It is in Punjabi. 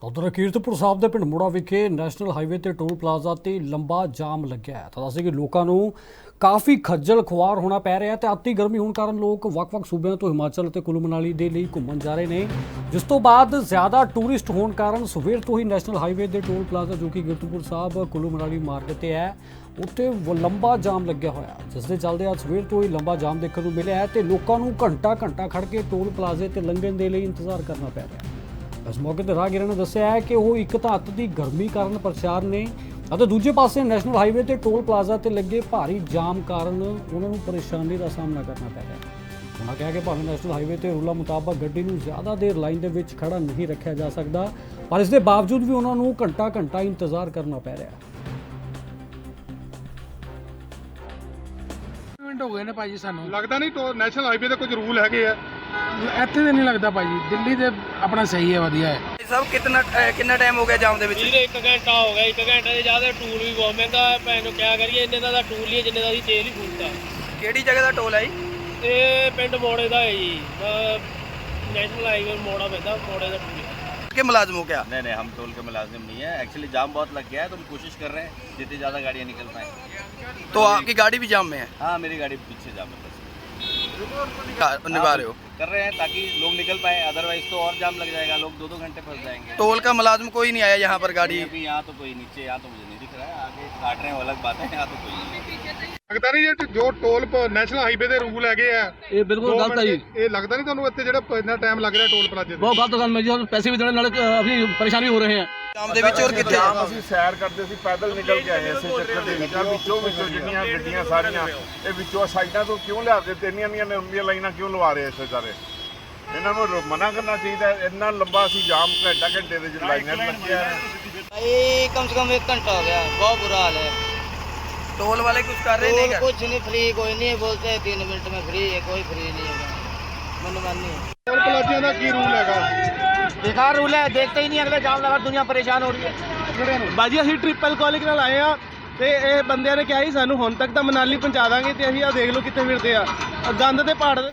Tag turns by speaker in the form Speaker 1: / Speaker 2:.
Speaker 1: ਉਧਰ ਕੀਰਤਪੁਰ ਸਾਹਿਬ ਦੇ ਪਿੰਡ ਮੋੜਾ ਵਿਖੇ ਨੈਸ਼ਨਲ ਹਾਈਵੇ ਤੇ ਟੋਲ ਪਲਾਜ਼ਾ ਤੇ ਲੰਬਾ ਜਾਮ ਲੱਗਿਆ ਹੈ। ਤਾਂ ਦੱਸੇ ਕਿ ਲੋਕਾਂ ਨੂੰ ਕਾਫੀ ਖੱਜਲ ਖੁਆਰ ਹੋਣਾ ਪੈ ਰਿਹਾ ਹੈ ਤੇ ਅਤੀ ਗਰਮੀ ਹੋਣ ਕਾਰਨ ਲੋਕ ਵੱਖ-ਵੱਖ ਸੂਬਿਆਂ ਤੋਂ ਹਿਮਾਚਲ ਤੇ ਕੁੱਲੂ ਮਨਾਲੀ ਦੇ ਲਈ ਘੁੰਮਣ ਜਾ ਰਹੇ ਨੇ, ਜਿਸ ਤੋਂ ਬਾਅਦ ਜ਼ਿਆਦਾ ਟੂਰਿਸਟ ਹੋਣ ਕਾਰਨ ਸਵੇਰ ਤੋਂ ਹੀ ਨੈਸ਼ਨਲ ਹਾਈਵੇ ਦੇ ਟੋਲ ਪਲਾਜ਼ਾ ਜੋ ਕਿ ਕੀਰਤਪੁਰ ਸਾਹਿਬ ਕੁੱਲੂ ਮਨਾਲੀ ਮਾਰਗ ਤੇ ਹੈ ਉੱਥੇ ਲੰਬਾ ਜਾਮ ਲੱਗਿਆ ਹੋਇਆ, ਜਿਸ ਦੇ ਚੱਲਦੇ ਅੱਜ ਸਵੇਰ ਤੋਂ ਹੀ ਲੰਬਾ ਜਾਮ ਦੇਖਣ ਨੂੰ ਮਿਲਿਆ ਹੈ ਤੇ ਲੋਕਾਂ ਨੂੰ ਘੰਟਾ ਖੜ ਕੇ ਟੋਲ ਪਲਾਜ਼ੇ ਤੇ ਲੰਘਣ ਦੇ ਲਈ ਇੰਤਜ਼ਾਰ ਕਰਨਾ ਪੈ ਰਿਹਾ ਹੈ। ਇਸ ਮੌਕੇ ਤੇ ਰਾਹਗੀਰਾਂ ਨੇ ਦੱਸਿਆ ਹੈ ਕਿ ਉਹ ਇੱਕ ਤਾਂ ਅੱਤ ਦੀ ਗਰਮੀ ਕਾਰਨ ਪਰੇਸ਼ਾਨ ਨੇ ਅਤੇ ਦੂਜੇ ਪਾਸੇ ਨੈਸ਼ਨਲ ਹਾਈਵੇ ਤੇ ਟੋਲ ਪਲਾਜ਼ਾ ਤੇ ਲੱਗੇ ਭਾਰੀ ਜਾਮ ਕਾਰਨ ਉਹਨਾਂ ਨੂੰ ਪਰੇਸ਼ਾਨੀ ਦਾ ਸਾਹਮਣਾ ਕਰਨਾ ਪੈ ਰਿਹਾ ਹੈ। ਉਹਨਾਂ ਕਿਹਾ ਕਿ ਭਾਵੇਂ ਨੈਸ਼ਨਲ ਹਾਈਵੇ ਤੇ ਰੂਲਾਂ ਮੁਤਾਬਕ ਗੱਡੀ ਨੂੰ ਜ਼ਿਆਦਾ ਦੇਰ ਲਾਈਨ ਦੇ ਵਿੱਚ ਖੜਾ ਨਹੀਂ ਰੱਖਿਆ ਜਾ ਸਕਦਾ, ਪਰ ਇਸ ਦੇ ਬਾਵਜੂਦ ਵੀ ਉਹਨਾਂ ਨੂੰ ਘੰਟਾ ਇੰਤਜ਼ਾਰ ਕਰਨਾ ਪੈ ਰਿਹਾ ਹੈ।
Speaker 2: ਹੋ ਗਏ ਨੇ ਭਾਜੀ, ਸਾਨੂੰ
Speaker 3: ਲੱਗਦਾ ਨਹੀਂ ਨੈਸ਼ਨਲ ਹਾਈਵੇ ਤੇ ਕੁਝ ਰੂਲ ਹੈਗੇ ਆ
Speaker 2: ਇੱਥੇ ਤੇ ਨਹੀਂ ਲੱਗਦਾ ਭਾਜੀ। ਦਿੱਲੀ ਤੇ ਆਪਣਾ ਸਹੀ ਹੈ, ਵਧੀਆ ਹੈ।
Speaker 4: ਸਭ ਕਿੰਨਾ ਟਾਈਮ ਹੋ ਗਿਆ ਜਾਮ ਦੇ ਵਿੱਚ?
Speaker 5: ਵੀਰੇ 1 ਘੰਟਾ ਹੋ ਗਿਆ। 1 ਘੰਟੇ ਦੇ ਜ਼ਿਆਦਾ ਟੂਲ ਵੀ ਬਹੁਤ ਮਹਿੰਗਾ ਹੈ। ਭੈਣ ਨੂੰ ਕਿਆ ਕਰੀਏ, ਇੰਨੇ ਦਾ ਟੂਲ ਹੀ ਹੈ ਜਿੰਨੇ ਦਾ ਅਸੀਂ ਤੇਲ ਹੀ ਫੂਕਦਾ।
Speaker 4: ਕਿਹੜੀ ਜਗ੍ਹਾ ਦਾ ਟੋਲ ਹੈ ਜੀ?
Speaker 5: ਇਹ ਪਿੰਡ ਮੋੜੇ ਦਾ ਹੈ ਜੀ, ਨੈਸ਼ਨਲ ਹਾਈਵੇ ਮੋੜਾ ਪੈਂਦਾ, ਮੋੜੇ ਦਾ ਟੂਲ ਹੈ।
Speaker 4: के मुलाजिम हो क्या?
Speaker 6: नहीं, हम टोल के मुलाजिम नहीं है। एक्चुअली जाम बहुत लग गया है तो हम कोशिश कर रहे हैं जितनी ज़्यादा गाड़ियाँ निकल पाएँ।
Speaker 4: तो आपकी गाड़ी भी जाम में है?
Speaker 6: हाँ, मेरी गाड़ी पीछे जाम है।
Speaker 4: निभा रहे हो?
Speaker 6: कर रहे हैं ताकि लोग निकल पाए, अदरवाइज तो और जाम लग जाएगा, लोग 2-2 घंटे फंस जाएंगे।
Speaker 4: टोल का मुलाजिम कोई नहीं आया यहाँ पर गाड़ी?
Speaker 6: अभी यहाँ तो कोई नीचे, यहाँ तो मुझे नहीं दिख रहा है। आगे काट रहे हैं वो अलग बात है, यहाँ तो कोई नहीं।
Speaker 3: ਲੱਗਦਾ ਨਹੀਂ ਜੋ ਟੋਲ ਨੈਸ਼ਨਲ ਹਾਈਵੇ ਦੇ ਰੂਲ ਹੈਗੇ ਆ
Speaker 7: ਇਹ ਬਿਲਕੁਲ ਗਲਤ ਹੈ ਜੀ।
Speaker 3: ਇਹ ਲੱਗਦਾ ਨਹੀਂ ਤੁਹਾਨੂੰ ਇੱਥੇ ਜਿਹੜਾ ਇੰਨਾ ਟਾਈਮ ਲੱਗ ਰਿਹਾ ਟੋਲ ਪਲਾਜ਼ੇ ਤੇ?
Speaker 7: ਬਹੁਤ ਗਲਤ ਗੱਲ ਹੈ ਜੀ। ਪੈਸੇ ਵੀ ਦੇਣੇ ਨਾਲ ਆਪਣੀ ਪਰੇਸ਼ਾਨ ਵੀ ਹੋ ਰਹੇ ਹਾਂ।
Speaker 4: ਜਾਮ ਦੇ ਵਿੱਚ और कितने?
Speaker 8: ਅਸੀਂ ਸੈਰ ਕਰਦੇ ਸੀ, ਪੈਦਲ ਨਿਕਲ ਕੇ ਆਏ ਇਸੇ ਚੱਕਰ ਦੇ ਵਿੱਚੋਂ ਜਿਹੜੀਆਂ ਗੱਡੀਆਂ ਸਾਰੀਆਂ ਇਹ ਵਿੱਚੋਂ ਸਾਈਡਾਂ ਤੋਂ ਕਿਉਂ ਲਿਆਦੇ ਤੇ ਇੰਨੀਆਂ ਲੰਬੀਆਂ ਲਾਈਨਾਂ ਕਿਉਂ ਲਵਾ ਰਹੇ ਇਸੇ ਸਾਰੇ? ਇਹਨਾਂ ਨੂੰ ਮਨਾ ਕਰਨਾ ਚਾਹੀਦਾ। ਇੰਨਾ ਲੰਬਾ ਅਸੀਂ ਜਾਮ ਘੰਟੇ ਦੇ ਜੋ ਲਾਈਨਾਂ ਲੱਗਿਆ ਹੈ।
Speaker 9: भाई कम से कम 1 घंटा हो गया, बहुत बुरा हाल है।
Speaker 4: टोल वाले कुछ कर रहे नहीं
Speaker 9: और
Speaker 4: क्या?
Speaker 9: कुछ नहीं, फ्री कोई नहीं है, बोलते हैं 3 मिनट में फ्री है, कोई फ्री नहीं है, मनमानी है।
Speaker 3: ਟੋਲ ਪਲਾਜ਼ਿਆਂ ਦਾ ਕੀ ਰੂਲ ਹੈਗਾ?
Speaker 9: बेकार रूल है, देखते ही नहीं, अगले जाम लगा दुनिया परेशान हो रही है।
Speaker 7: ਬਾਜੀ ਅਸੀਂ ਟ੍ਰਿਪਲ ਕਾਲਿੰਗ ਨਾਲ ਆਏ ਆ ਤੇ ਇਹ ਬੰਦਿਆਂ ਨੇ ਕਿਹਾ ਸੀ ਸਾਨੂੰ ਹੁਣ ਤੱਕ ਤਾਂ ਮਨਾਲੀ ਪਹੁੰਚਾ ਦਾਂਗੇ ਤੇ ਅਸੀਂ ਆ ਦੇਖ ਲਓ ਕਿੱਥੇ ਫਿਰਦੇ ਆ, ਗੰਦ ਦੇ ਪਹਾੜ।